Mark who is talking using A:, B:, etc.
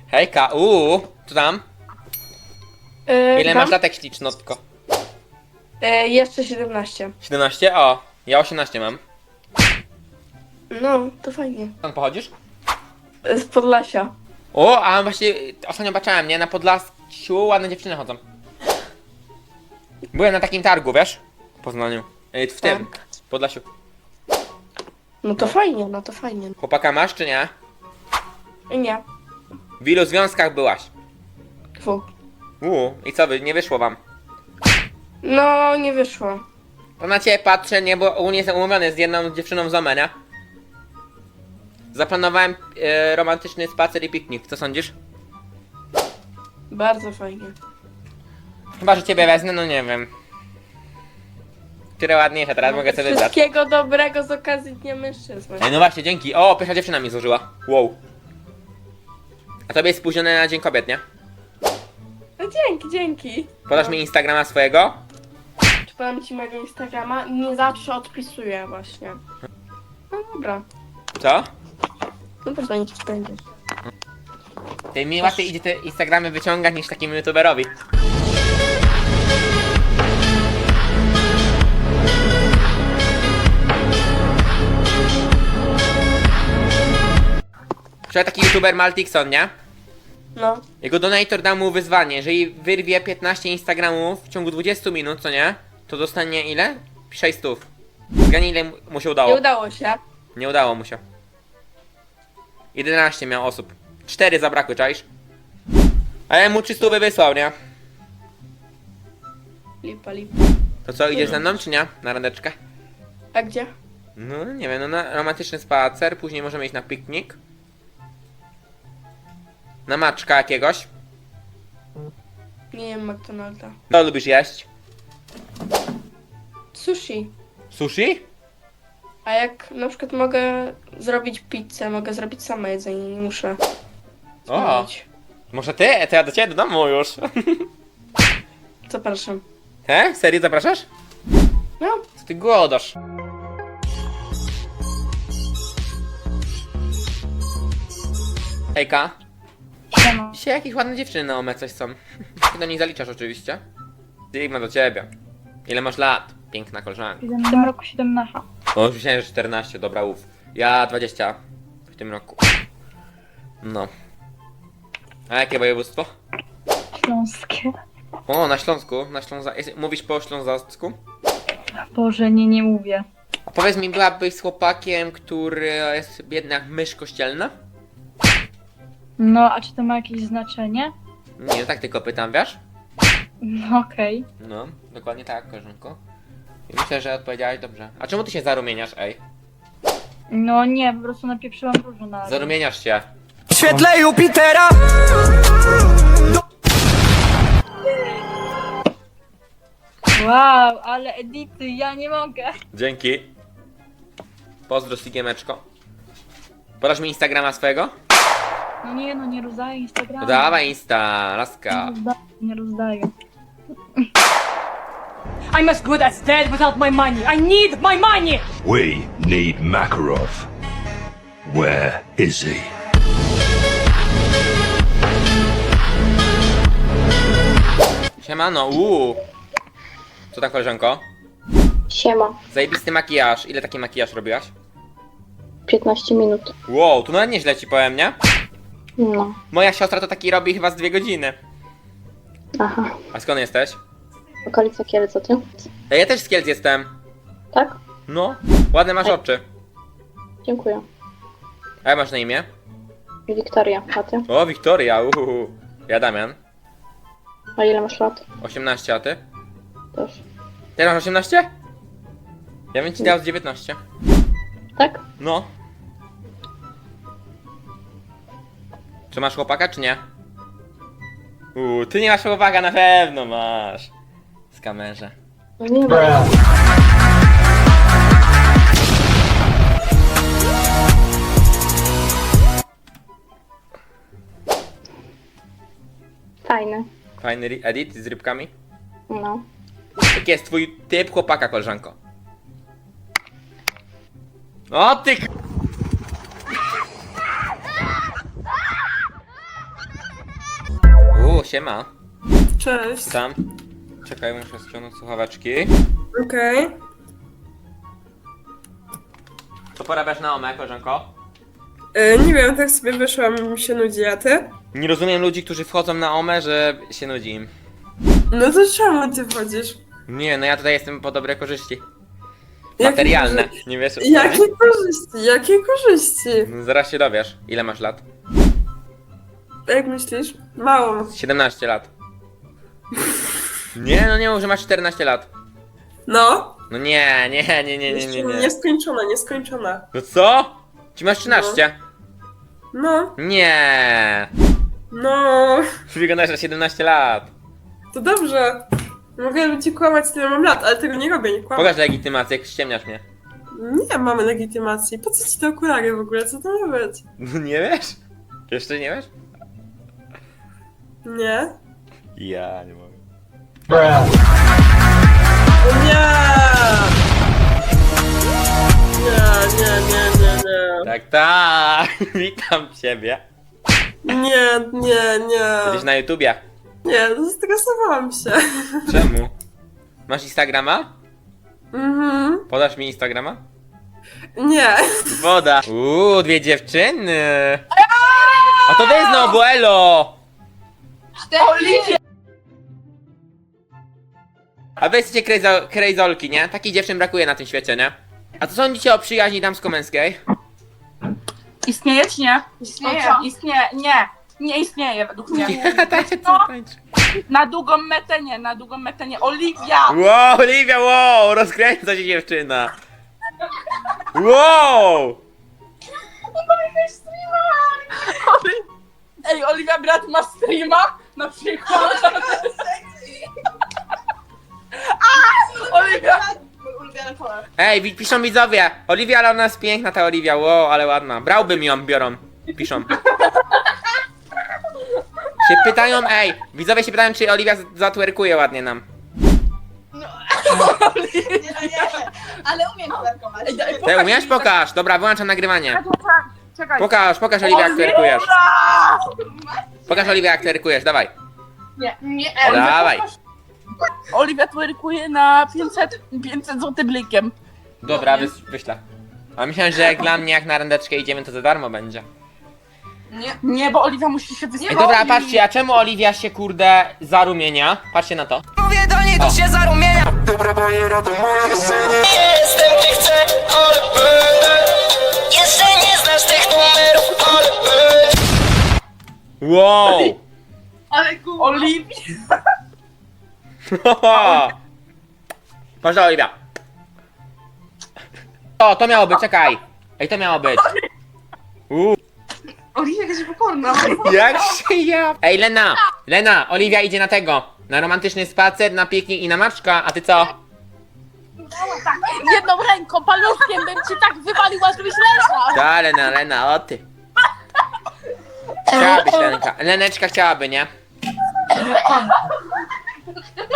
A: Hejka, co tam? Ile masz latek, ślicznotko?
B: Jeszcze 17.
A: 17? O, ja 18 mam.
B: No, to fajnie.
A: Skąd pochodzisz?
B: Z Podlasia.
A: O, a właśnie ostatnio baczałem, nie? Na Podlasiu ładne dziewczyny chodzą. Byłem na takim targu, wiesz? W Poznaniu. W tym, w Podlasiu.
B: No to fajnie, no to fajnie.
A: Chłopaka masz, czy nie?
B: Nie.
A: W ilu związkach byłaś?
B: 2.
A: I co wy, nie wyszło wam?
B: No, nie wyszło.
A: To na ciebie patrzę, nie, bo u mnie jestem umówiony z jedną dziewczyną z Omenia. Zaplanowałem romantyczny spacer i piknik, co sądzisz?
B: Bardzo fajnie.
A: Chyba, że ciebie wezmę, no nie wiem. Które ładniejsze, teraz mogę sobie wybrać.
B: Wszystkiego dobrego z okazji Dnia Mężczyzn.
A: No właśnie, dzięki. O, pierwsza dziewczyna mi złożyła. Wow. A tobie jest spóźnione na Dzień Kobiet, nie?
B: No dzięki.
A: Podasz mi Instagrama swojego?
B: Czy podam ci mojego Instagrama? Nie zawsze odpisuję właśnie. No dobra.
A: Co?
B: No to będzie ci będzie.
A: Ty mi łatwiej idzie te Instagramy wyciągać niż takim youtuberowi. Wczoraj taki youtuber Maltixon, nie?
B: No.
A: Jego donator dał mu wyzwanie, jeżeli wyrwie 15 Instagramów w ciągu 20 minut, co nie? To dostanie ile? 600. Zgadnij, ile mu się udało.
B: Nie udało się.
A: Nie udało mu się. 11 miał osób. 4 zabrakły, czaisz? Ale mu 300 wysłał, nie?
B: Lipa.
A: To co, idziesz ze mną, czy nie? Na randeczkę?
B: A gdzie?
A: No, nie wiem, no na romantyczny spacer, później możemy iść na piknik. Na maczka jakiegoś.
B: Nie jem McDonalda.
A: Co lubisz jeść?
B: Sushi.
A: Sushi?
B: A jak na przykład mogę zrobić pizzę, mogę zrobić sama jedzenie, nie muszę.
A: O,
B: robić.
A: może ty? To ja do ciebie do domu już.
B: Zapraszam.
A: He? Serio zapraszasz?
B: No,
A: Co ty głodasz? Hejka.
C: Siema.
A: Dzisiaj jakieś ładne dziewczyny na OME coś są. Ty do nich zaliczasz oczywiście. Sigma do ciebie. Ile masz lat? Piękna koleżanka.
C: W tym roku 17.
A: O, już myślałem, że 14, dobra, Ja 20 w tym roku. No. A jakie województwo?
C: Śląskie.
A: O, na Śląsku, Mówisz po ślązacku?
C: Boże, nie mówię.
A: A powiedz mi, byłabyś z chłopakiem, który jest biedny jak mysz kościelna?
C: No, a czy to ma jakieś znaczenie?
A: Nie, tak tylko pytam, wiesz?
C: No okej.
A: No, dokładnie tak, koleżanko. I myślę, że odpowiedziałaś dobrze. A czemu ty się zarumieniasz, ej?
C: No nie, po prostu napieprzyłam różu na...
A: Zarumieniasz się.
D: W świetle Jupitera.
C: Wow, ale edity, ja nie mogę.
A: Dzięki. Pozdro, Sigiemeczko. Podasz mi Instagrama swojego?
C: No nie rozdaję Instagrama.
A: No dawaj Insta, laska.
C: Nie rozdaję.
E: I'm as good as dead without my money. I need my money!
F: We need Makarov. Where is he?
A: Siemano, Co tam, koleżanko?
G: Siema,
A: Zajebisty makijaż. Ile taki makijaż robiłaś?
G: 15 minut.
A: Wow, tu nawet nieźle ci powiem, nie?
G: No,
A: Moja siostra to taki robi chyba z 2 godziny.
G: aha.
A: A skąd jesteś?
G: Okolica Kielc, a ty?
A: Ej, ja też z Kielc jestem.
G: Tak?
A: No, ładne masz oczy.
G: Dziękuję.
A: A jak masz na imię?
G: Wiktoria, a ty?
A: O, Wiktoria, Ja Damian.
G: A ile masz lat?
A: 18, a ty?
G: Też.
A: Ty masz 18? Ja bym ci dał z 19.
G: Tak?
A: No. Czy masz chłopaka, czy nie? Ty nie masz chłopaka, na pewno masz. Z kamerze.
G: No nie wiem. Fajne.
A: Fajny edit z rybkami.
G: No.
A: Jaki jest twój typ chłopaka, koleżanko? O ty siema.
H: Cześć.
A: Tam. Czekaj, muszę ściągnąć słuchaweczki.
H: Okej.
A: Co porabiasz na OME, koleżanko?
H: Nie wiem, tak sobie wyszłam, mi się nudzi, a ty?
A: Nie rozumiem ludzi, którzy wchodzą na OME, że się nudzi im.
H: No to czemu ty wchodzisz?
A: Nie, no ja tutaj jestem po dobre korzyści.
H: Jakie
A: Materialne.
H: korzyści?
A: Nie wiesz o co
H: Jakie
A: chodzi?
H: korzyści? Jakie korzyści?
A: No, zaraz się dowiesz. Ile masz lat?
H: Jak myślisz? Mało.
A: 17 lat. Nie, no nie mów, że masz 14 lat.
H: No.
A: No nie.
H: Nieskończona, nieskończona.
A: No co? Ci masz 13?
H: No.
A: Nie.
H: No.
A: Wyglądasz na 17 lat.
H: To dobrze. Mogę ci kłamać, tyle mam lat, ale tego nie robię, nie kłamę.
A: Pokaż legitymację, jak ściemniasz mnie.
H: Nie mamy legitymacji. Po co ci te okulary w ogóle? Co to ma być?
A: No nie wiesz? Jeszcze nie wiesz?
H: Nie?
A: Ja nie mogę.
H: O nie! Nie.
A: Tak. Witam ciebie.
H: Nie.
A: Jesteś na YouTubie.
H: Nie, zestresowałam się.
A: Czemu? Masz Instagrama?
H: Mhm.
A: Podasz mi Instagrama?
H: Nie.
A: Woda. Dwie dziewczyny. A to wy znowu, elo! A wy jesteście krejzolki, nie? Takich dziewczyn brakuje na tym świecie, nie? A co sądzicie o przyjaźni damsko-męskiej?
C: Istnieje czy nie?
B: Istnieje.
C: Istnieje. Nie. Nie istnieje według mnie.
A: Tańczy, co tańczy?
C: Na długą metę nie. Oliwia!
A: Wow, Oliwia, wow! Rozkręca się dziewczyna. Wow!
C: Ej, Oliwia brat ma streama? Na przykład. Oliwia!
A: Ej, piszą widzowie. Oliwia, ale ona jest piękna, ta Oliwia. Wow, ale ładna. Brałbym ją, biorą. Piszą. Się pytają, widzowie się pytają, czy Oliwia zatwerkuje ładnie nam.
I: Ale umiem twerkować.
A: Ty umiesz? Pokaż. Dobra, wyłączam nagrywanie.
C: Czekaj.
A: Pokaż Oliwia, jak twerkujesz. Pokaż Oliwia, jak twerkujesz, dawaj.
B: Nie.
A: Dawaj.
C: Oliwia twerkuje na 500 zł blikiem.
A: Dobra, wyślę. A myślałem, że jak dla mnie, jak na randeczkę idziemy, to za darmo będzie.
C: Nie, bo Oliwia musi się wyspowić.
A: Ej, dobra, patrzcie, a czemu Oliwia się, kurde, zarumienia? Patrzcie na to.
D: Mówię do niej, to się zarumienia. Jestem, gdzie chcę, ale będę. Jeszcze nie znasz tych numerów, ale będę.
A: Wow!
C: Ale Oliwia!
A: Patrz, Oliwia. O, to miało być, czekaj. Ej, to miało być.
B: Oliwia jakaś pokorna.
A: Jak się ja... Ej, Lena, Oliwia idzie na tego. Na romantyczny spacer, na piknik i na maczka, a ty co?
C: Jedną ręką, paluszkiem bym ci tak wywaliła, żebyś leżał.
A: Ta, Lena, o ty. Chciałabyś, Lenka. Leneczka chciałaby, nie?